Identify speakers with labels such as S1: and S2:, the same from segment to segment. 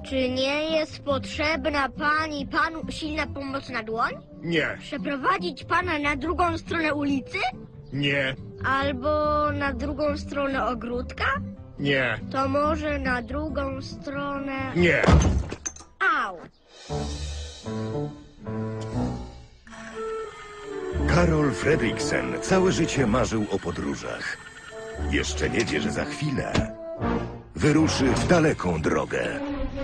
S1: Czy nie jest potrzebna pani panu silna pomocna dłoń?
S2: Nie,
S1: Przeprowadzić pana na drugą stronę ulicy?
S2: nie,
S1: Albo na drugą stronę ogródka?
S2: nie,
S1: To może na drugą stronę...
S2: nie.
S1: Au!
S3: Karol Fredriksen całe życie marzył o podróżach. Jeszcze nie wie, że za chwilę wyruszy w daleką drogę.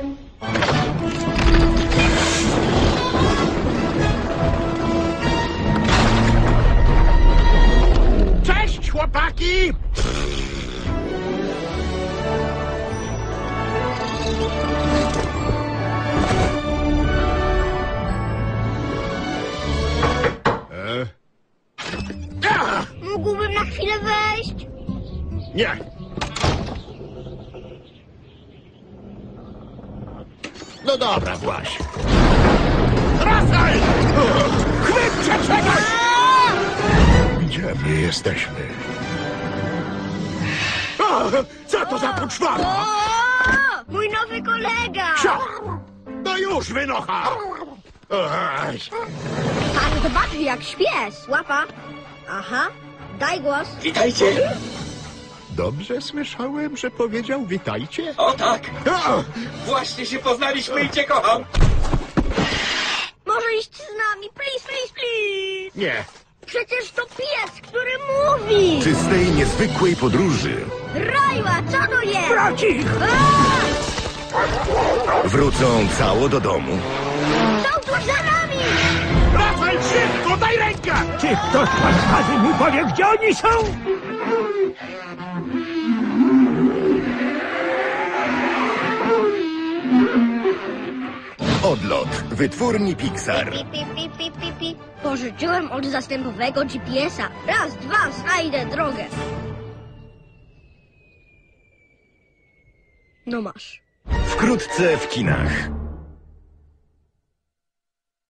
S2: Cześć, chłopaki!
S1: Mógłbym na chwilę wejść?
S2: Nie. No dobra, Właś. Wracaj! Chwyćcie, czekaj! Gdzie my jesteśmy? O, co to za poczwara?
S1: O! Mój nowy kolega!
S2: Cio! No już, wynocha! Oj,
S1: Pan zobaczy, jak śpię. Łapa. Aha. Daj głos.
S4: Witajcie!
S2: dobrze słyszałem, że powiedział witajcie?
S4: O tak!
S2: O,
S4: Właśnie się poznaliśmy i cię kocham!
S1: Może iść z nami, please, please, please.
S2: nie.
S1: Przecież to pies, który mówi.
S3: Czy z tej niezwykłej podróży
S1: Rajła, co to jest?
S2: Bracich!
S3: wrócą cało do domu?
S1: Są tu za nami.
S2: Wracaj szybko, daj rękę!
S5: Czy ktoś łaskawy mi powie, gdzie oni są?
S3: Odlot wytwórni Pixar.
S1: Pi, pi, pi, pi, pi, pi. Pożyczyłem od zastępowego GPS-a. Raz, dwa, znajdę drogę. No masz.
S3: Wkrótce w kinach.